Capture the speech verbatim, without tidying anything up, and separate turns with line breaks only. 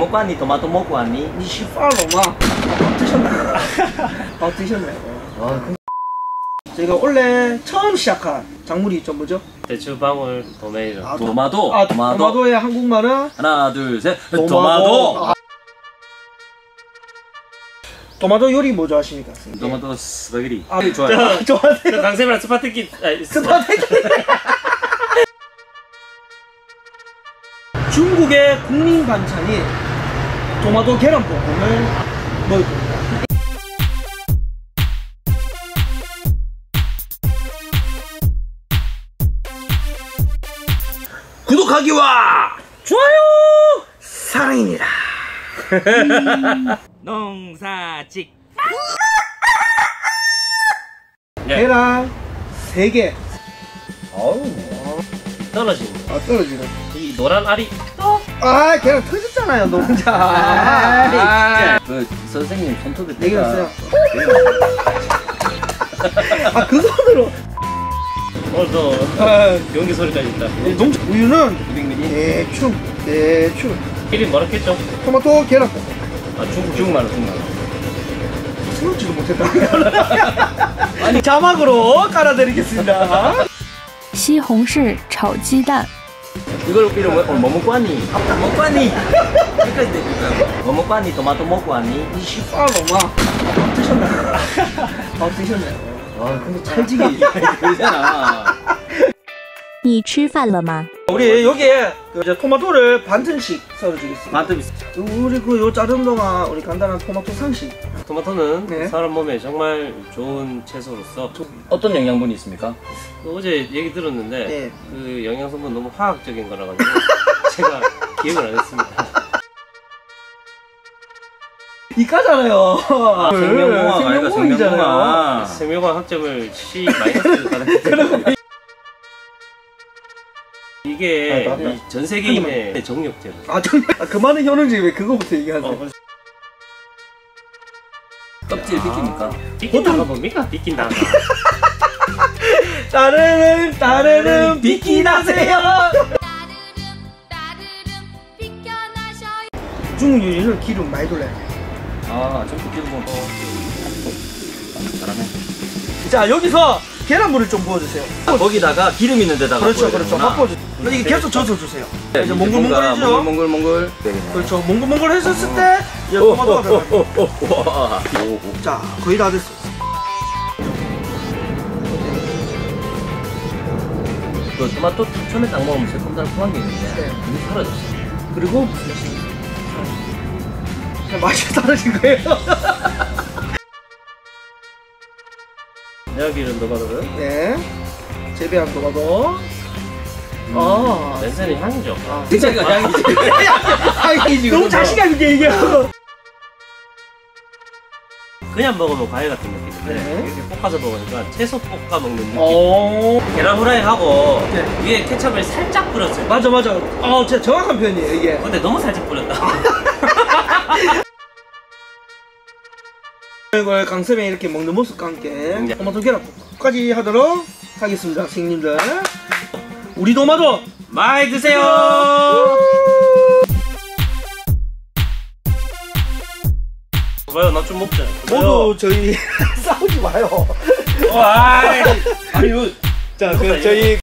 먹고 왔니? 토마토 먹고 왔니?
니 시파로마 드셨나요? 아 드셨나요?
와,
저희가 원래 처음 시작한 작물이 있죠, 뭐죠?
대추방울 도메이로.
아,
토마토.
아,
토마토.
토마토의 한국말은
하나, 둘, 셋.
토마토.
토마토.
아. 토마토 요리 뭐 좋아하십니까?
토마토 스파게티.
아,
좋아요.
좋아하세요?
강쌤이랑 스파게티.
스파게티. 중국의 국민 반찬이 토마토 계란볶음을 먹을 겁니다. 구독하기와 좋아요 사랑입니다.
농사직.
계란 세 개.
어우.
떨어지는.
아 떨어지네.
이 노란 알이.
아 계란 터졌잖아요, 너 혼자.
아, 그 선생님 손톱에
네 개였어요. 아 그 손으로.
오늘도
아,
연기 소리까지 있다.
농장 우유는
이백 밀리리터.
대충 대충
이름 뭐라겠죠?
토마토 계란볶음.
아 중국
중국말로 중국말로.
스럽지도 못했다. 아니 자막으로 깔아드리겠습니다.
西红柿炒鸡蛋，
이걸 이름 뭐, 뭐 먹고 왔니? 먹고 왔니? 여기까지 되니까. 뭐 먹고 왔니? 토마토 먹고 왔니?
이 시파로마 드셨나요? 아 드셨나요?
와, 근데 찰지게 그러잖아.
你吃饭了吗？
우리 여기에 그 이제 토마토를 반튼씩 썰어주겠습니다.
반톱
우리 그 요 자른 동안 우리 간단한 토마토 상식.
토마토는
네.
사람 몸에 정말 좋은 채소로서
어떤 영양분이 있습니까?
그 어제 얘기 들었는데
네.
그 영양성분 너무 화학적인 거라 가지고 제가 기억을 안 했습니다.
이까잖아요.
아, 생명공학 아이가 생명공학.
생명과학 학점을 C 마이너스 받았는데 이게
아, 맞다.
이 전 세계인의 정력제로.
아 정말 아, 그만은 현우지 왜 그거부터 얘기하세요?
어,
껍질 비깁니까?
비낀다가 뭡니까? 비낀다가.
따르릉 따르릉 비키나세요. 중국 요리는 기름 많이 돌려야 돼.
아, 점프 기름 먹어. 잘하네.
자 여기서 계란물을 좀 부어주세요.
거기다가 기름 있는 데다가
그렇죠 그렇죠.
부어야
맛보죠. 이게 계속 젖어주세요.
되는구나.
이제 몽글몽글해지죠.
몽글몽글.
그렇죠. 몽글몽글 했었을 때 이제 토마토가 들어가요.
와.
자 거의 다 됐어.
그 토마토 처음에 딱 먹으면 새콤달콤한 게 있는데
네.
그게 사라졌어.
그리고 그냥 맛이 사라진 거예요.
여기는 도마토는
네. 재배한 토마토. 아.
냄새는 향이죠.
아.
진짜가 향이지. 향이지.
너무 자신감 있게 얘기하고.
그냥 먹으면 과일 같은 느낌인데
네.
이렇게 볶아서 먹으니까 채소 볶아 먹는 느낌.
어.
계란 후라이 하고
네.
위에 케첩을 살짝 뿌렸어요.
맞아 맞아. 어, 진짜 정확한 표현이에요 이게.
근데 너무 살짝 뿌렸다.
이걸 강쌤이 이렇게 먹는 모습과 함께
네.
토마토 계란볶음까지 하도록 하겠습니다, 선생님들. 우리 토마토
많이 드세요. 봐요, 나 좀 먹자.
모두 저희 싸우지 마요.
와, 아니 이거
자, 그 저희